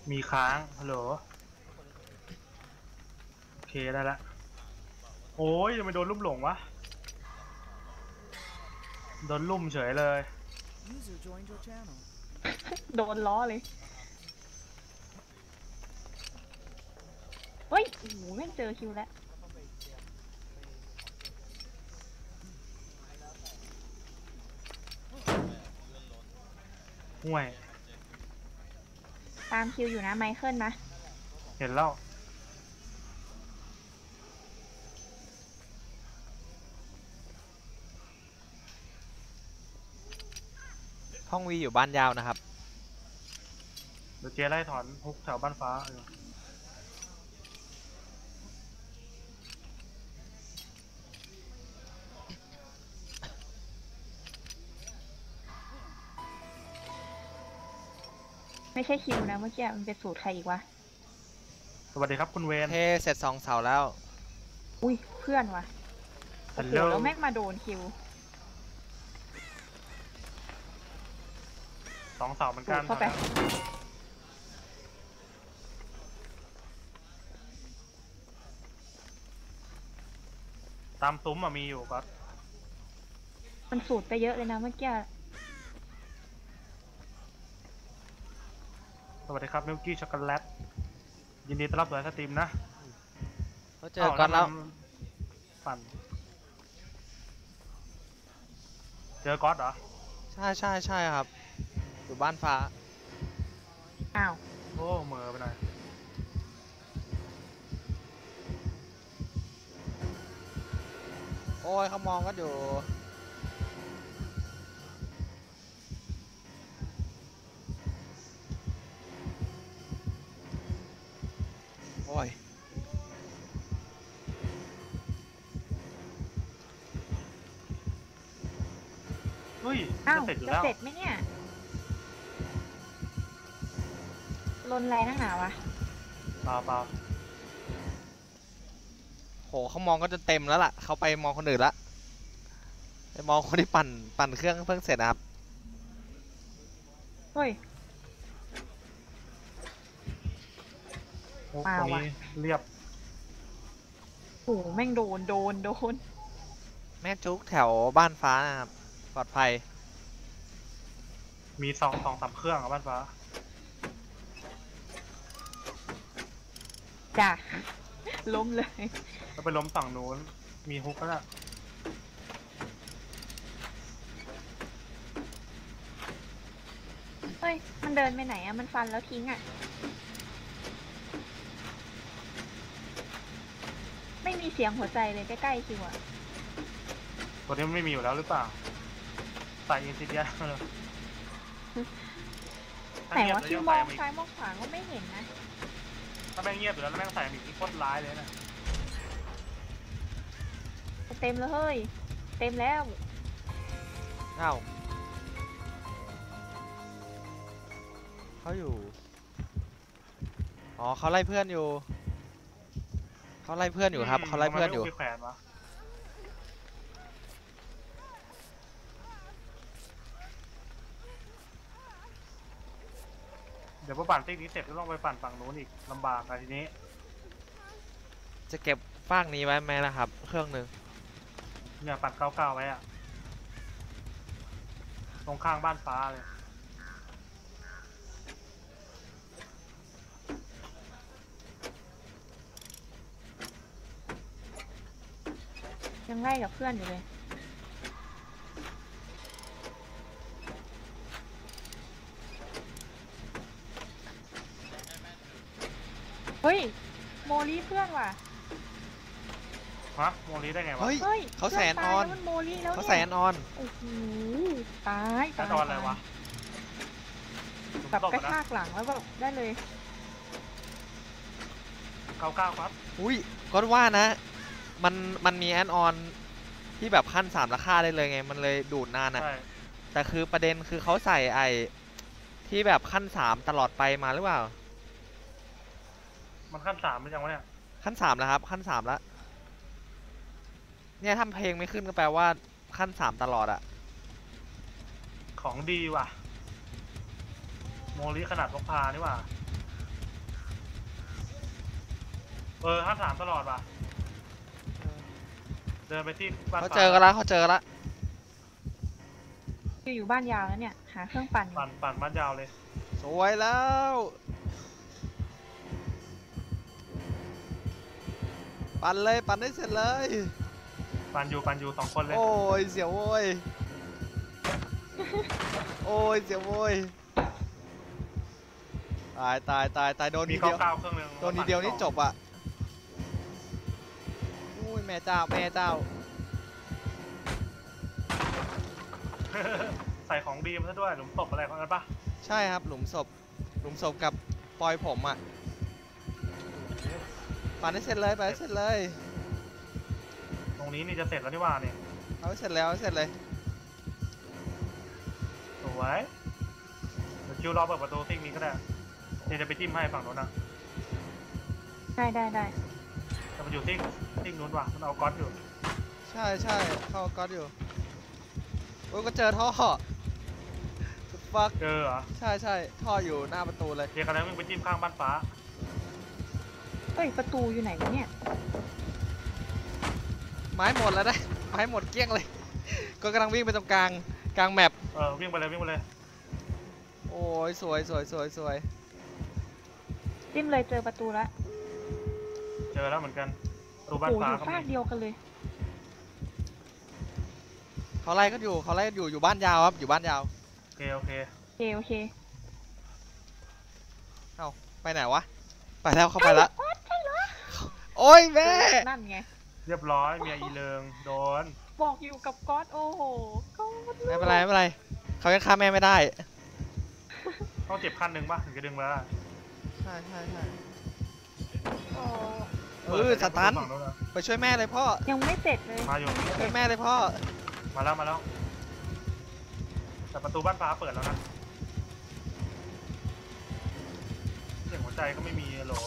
มีค้างฮัลโหลโอเคได้ละโอ้ยยังไม่โดนลุ่มหลงวะโดนลุ่มเฉยเลยโดนล้อเลยเฮ้ยโอ้โหแม่งเจอคิวแล้วห่วยตามคิวอยู่นะไมเคิลนะเห็นแล้วห้องวีอยู่บ้านยาวนะครับเดี๋ยวเจ๊ไล่ถอนฮุกแถวบ้านฟ้าไม่ใช่คิวนะเมื่อกี้มันเป็นสูตรใครอีกวะสวัสดีครับคุณเวนเทเสร็จ2 เสาแล้วอุ้ยเพื่อนวะโอ้โหแล้วแม่งมาโดนคิว 2 เสาเหมือนกันเข้าไปตามซุ้มมีอยู่ก็มันสูตรไปเยอะเลยนะเมื่อกี้สวัสดีครับมิลกี้ช็อกโกแลตยินดีต้อนรับสู่สตรีมนะเขาเจอก่อนแล้วปั่นเจอก๊อตเหรอใช่ครับอยู่บ้านฟ้าอ้าวโอ้เหม่อไปหน่อยโอ้ยเขามองก็อยู่โอ้ยเฮ้ยอ้าวจะเสร็จอยู่จะแล้วเสร็จไหมเนี่ยลนอะไรนักหนาวะเปล่าโหเขามองก็จะเต็มแล้วล่ะเขาไปมองคนอื่นละไปมองคนที่ปั่นเครื่องเพิ่งเสร็จนะครับเฮ้ยตรงนี้เรียบโอ้แม่งโดนแม่จุกแถวบ้านฟ้านะครับปลอดภัยมี2-3 เครื่องบ้านฟ้าจ้ะล้มเลยแล้วไปล้มฝั่งนู้นมีฮุกแล้วน่ะเฮ้ยมันเดินไปไหนอะมันฟันแล้วทิ้งอะไม่มีเสียงหัวใจเลยใกล้ๆคิวอะตัวนี้มันไม่มีอยู่แล้วหรือเปล่าใส่อินซิเดียเลยไหนวะคิวมองซ้ายมองขวาก็ไม่เห็นนะถ้าแม่งเงียบอยู่แล้วแม่งใส่มีที่โคตรร้ายเลยนะเต็มแล้วเฮ้ยเต็มแล้วอ้าวเขาอยู่อ๋อเขาไล่เพื่อนอยู่เขาไล่เพื่อนอยู่ครับเขาไล่เพื่อนอยู่เดี๋ยวพอปั่นติ๊กนี้เสร็จก็ต้องไปปั่นฝั่งนู้นอีกลำบากอะทีนี้จะเก็บฟากนี้ไว้ไหมนะครับเครื่องหนึ่งเนี่ยปั่น99ไว้อะตรงข้างบ้านฟ้าเลยยังไล่กับเพื่อนอยู่เลยเฮ้ยโมลีเพื่อนว่ะฮะโมลีได้ไงวะเฮ้ยเขาแสนออนเขาแสนออนโอ้โหตายแสนออนอะไรวะแบบกระชากหลังแล้วแบบได้เลย 99ครับอุ้ยก็ว่านะมันมีแอนออนที่แบบขั้น3ราคาได้เลยไงมันเลยดูดนานอะแต่คือประเด็นคือเขาใส่ไอที่แบบขั้น3ตลอดไปมาหรือเปล่ามันขั้น3หรือยังวะเนี่ยขั้น3แล้วครับขั้น3แล้วเนี่ยทำเพลงไม่ขึ้นก็แปลว่าขั้น3ตลอดอะของดีว่ะโมลีขนาดพกพานี่ว่ะ 53ตลอดว่ะเดินไปที่บ้านเขาเจอกันละเขาเจอกันละอยู่บ้านยาวแล้วเนี่ย หาเครื่องปั่นอยู่ปั่นบ้านยาวเลยสวยแล้วปั่นเลยปั่นได้เสร็จเลยปั่นอยู่2 คนเลยโอ้ยเสียวโว้ยโอ้ยเสียวโว้ยตายโดนมีทีเดียว 9เครื่องนึงโดนทีเดียวนี่จบอ่ะอุ้ยแม่เจ้าใส่ของดีมาซะด้วยหลุมศพอะไรของนั้นปะใช่ครับหลุมศพกับปอยผมอ่ะปั่นให้เสร็จเลยไปให้เสร็จเลยตรงนี้นี่จะเสร็จแล้วนี่ว่าเนี่ยเอาให้เสร็จแล้วเอาให้เสร็จเลยสวยเดี๋ยวคิวรอเปิดประตูซิ่งนี้ก็ได้เดี๋ยวจะไปจิ้มให้ฝั่งโน้นนะได้จะมาอยู่ซิ่งนู้นว่ะมันเอาก๊อตอยู่ใช่เข้าก๊อตอยู่โอ้ยก็เจอท่อฟักเจอเหรอใช่ท่ออยู่หน้าประตูเลยเดี๋ยวกันแล้วมึงไปจิ้มข้างบ้านฟ้าเอ้ยประตูอยู่ไหนวะเนี่ยไม้หมดแล้วนะไม้หมดเกลี้ยงเลย ก็กำลังวิ่งไปตรงกลางแมปวิ่งไปเลยโอ้ยสวยจิ้มเลยเจอประตูแล้วเจอแล้วเหมือนกันประตูโอ้บ้านโหฟ้าอยู่ก็ฟากมีเดียวกันเลยเขาไล่ก็อยู่บ้านยาวครับอยู่บ้านยาวโอเคโอเคเอ้าไปไหนวะไปแล้วเข้าไปละใช่เหรอโอ้ยแม่นั่นไงเรียบร้อยเมียอีเลิงโดนบอกอยู่กับก๊อตโอ้โหก๊อตไม่เป็นไรเขายังฆ่าแม่ไม่ได้ต้องเจ็บขั้นหนึ่งป่ะถึงจะดึงมาได้ใช่โอ้สตันฝั่งโน้นนะไปช่วยแม่เลยพ่อยังไม่เสร็จเลยมาอยู่ช่วยแม่เลยพ่อมาแล้วแต่ประตูบ้านฟ้าเปิดแล้วนะเสียงหัวใจก็ไม่มีโหล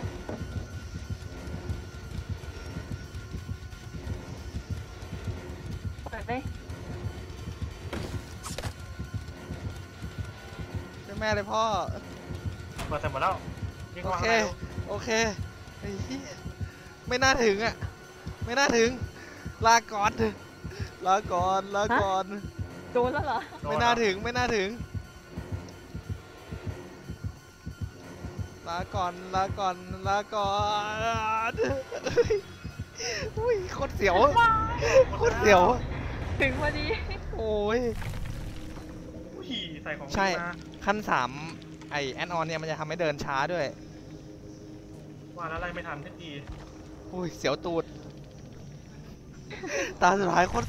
เปิดเลยช่วยแม่เลยพ่อเปิดเสร็จหมดแล้วยิ่งโอเข้ามาเคข้างในโอเคไอ้เหี้ยไม่น่าถึงอ่ะไม่น่าถึงลาก่อนลาก่อนโดนแล้วเหรอโดไม่นน่าเหรอถึงลาก่อนอุ้ยโคตรเสียวถึงพอดีโอ้ยอุ้ยใส่ของดีใช่มาขั้น3ไอแอนออนเนี่ยมันจะทำให้เดินช้าด้วยว่าแล้วอะไรไม่ทันทันทีอุ้ยเสียวตูด ตาสุดท้ายโคตร